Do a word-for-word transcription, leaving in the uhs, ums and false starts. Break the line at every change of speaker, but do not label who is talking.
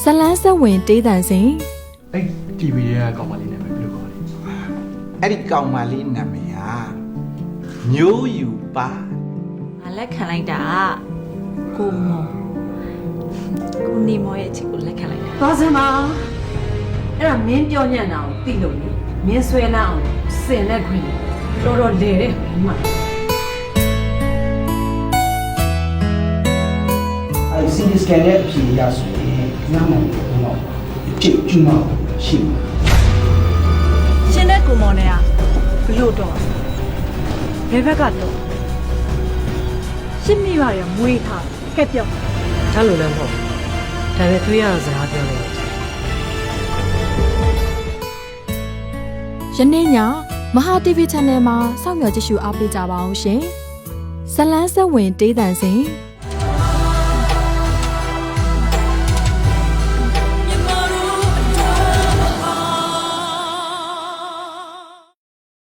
လန်းဆက်ဝင်တေးတန်စင်
အဲ့ တီဗီ ရဲ့ကောင်မလေးနာမည်ဘယ်လိုခေါ်လဲ
အဲ့ဒီကောင်မလေးနာမည်ဟာမျိုးယူပါ
ငါလက်ခံလိုက်တာကိုမောကိုနေမောရဲ့အချစ်ကိုလက်ခံလိုက်တာ
သွားစမ်းပါအဲ့ဒါမင်းပြောညံ့တာကိုသိလို့လေမင်းဆွဲလာအောင်စင်လက်ခွင်တော်တော်လေတဲ့မမ
အဲစီဒီစကန်ရဲ့အဖြေရဆိုရင်နားမလို့တော့ကြည့်ကြည့်မရှိဘူး
ရှင်တဲ့ကိုမောနဲ့ကဘလို့တော့ဘယ်ဘက်ကတော့ရှစ်မိပါရမွေးထားကဲ့ပြောက်
ဒါလိုလည်းမဟုတ်ဒါပေမဲ့သွေးရတဲ့စကားပြောနေတယ်
ယနေ့ညမဟာ တီဗီ Channel မှာစောင့်မျှော်ကြည့်ရှုအားပေးကြပါအောင်ရှင်ဇလန်းဆက်ဝင်တေးတန်စင်